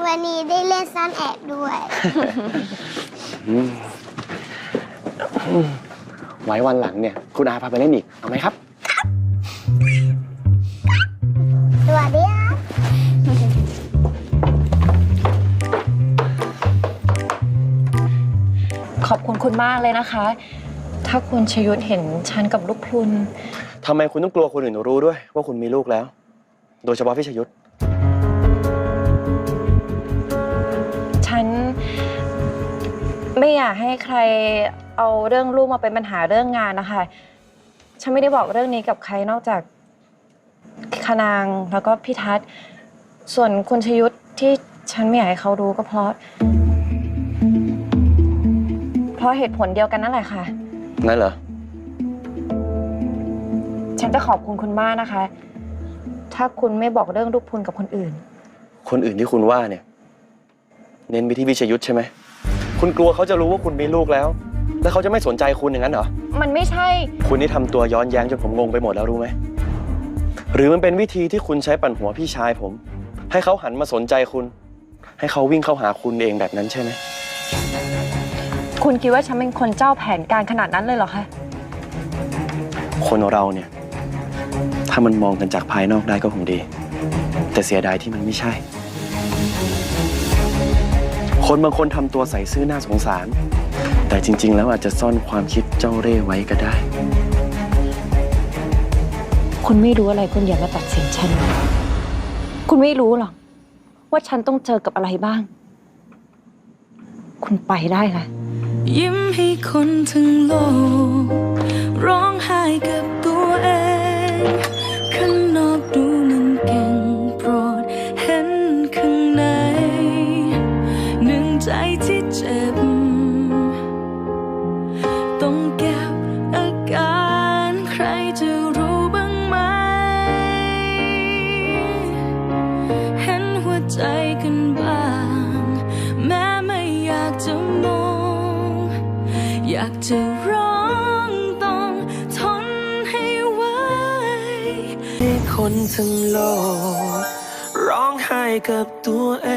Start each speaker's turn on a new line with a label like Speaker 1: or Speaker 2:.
Speaker 1: วันนี้ได้เล่นซ่อนแอบด้วย
Speaker 2: ไว้วันหลังเนี่ยคุณอาพาไปเล่นอีกเอาไหมครับ
Speaker 1: สวัสดีครับ
Speaker 3: ขอบคุณคุณมากเลยนะคะ ถ้าคุณชยุทธเห็นฉันกับลูกพลุน
Speaker 2: ทำไมคุณต้องกลัวคนอื่นรู้ด้วยว่าคุณมีลูกแล้วโดยเฉพาะพี่ชยุทธ
Speaker 3: ฉันไม่อยากให้ใครเอาเรื่องลูกมาเป็นปัญหาเรื่องงานนะคะฉันไม่ได้บอกเรื่องนี้กับใครนอกจากคนางแล้วก็พี่ทัศน์ส่วนคุณชยุทธที่ฉันไม่อยากให้เขารู้ก็เพราะเหตุผลเดียวกันนั่นแหละค่ะ
Speaker 2: นั่นเหรอ
Speaker 3: ฉันจะขอบคุณคุณมากนะคะถ้าคุณไม่บอกเรื่องลูกพลุนกับคนอื่น
Speaker 2: ที่คุณว่าเนี่ยเน้นไปที่วิชยุทธใช่ไหมคุณกลัวเขาจะรู้ว่าคุณมีลูกแล้วเขาจะไม่สนใจคุณอย่างนั้นเหรอ
Speaker 3: มันไม่ใช่
Speaker 2: คุณนี่ทำตัวย้อนแย้งจนผมงงไปหมดแล้วรู้ไหมหรือมันเป็นวิธีที่คุณใช้ปั่นหัวพี่ชายผมให้เขาหันมาสนใจคุณให้เขาวิ่งเข้าหาคุณเองแบบนั้นใช่ไหม
Speaker 3: คุณคิดว่าฉันเป็นคนเจ้าแผนการขนาดนั้นเลยเหรอคะ
Speaker 2: คนเราเนี่ยถ้ามันมองกันจากภายนอกได้ก็คงดีแต่เสียดายที่มันไม่ใช่คนบางคนทำตัวใส่ซื่อน่าสงสารแต่จริงๆแล้วอาจจะซ่อนความคิดเจ้าเร่ห์ไว้ก็ได้
Speaker 3: คุณไม่รู้อะไรคุณอย่ามาตัดสินฉันคุณไม่รู้หรอกว่าฉันต้องเจอกับอะไรบ้างคุณไปได้ค่ะ
Speaker 4: ยิ้มให้คนทั้งโลกร้องไห้กับตัวเองข้างนอกดูมันเก่งโปรดเห็นข้างในหนึ่งใจที่เจ็บต้องเก็บอาการใครจะรู้บ้างไหมเห็นหัวใจกันบ้างแม้ไม่อยากจะมองอยากจะร้องต้องทนให้ไหวคนทั้งโลกร้องไห้กับตัวเอง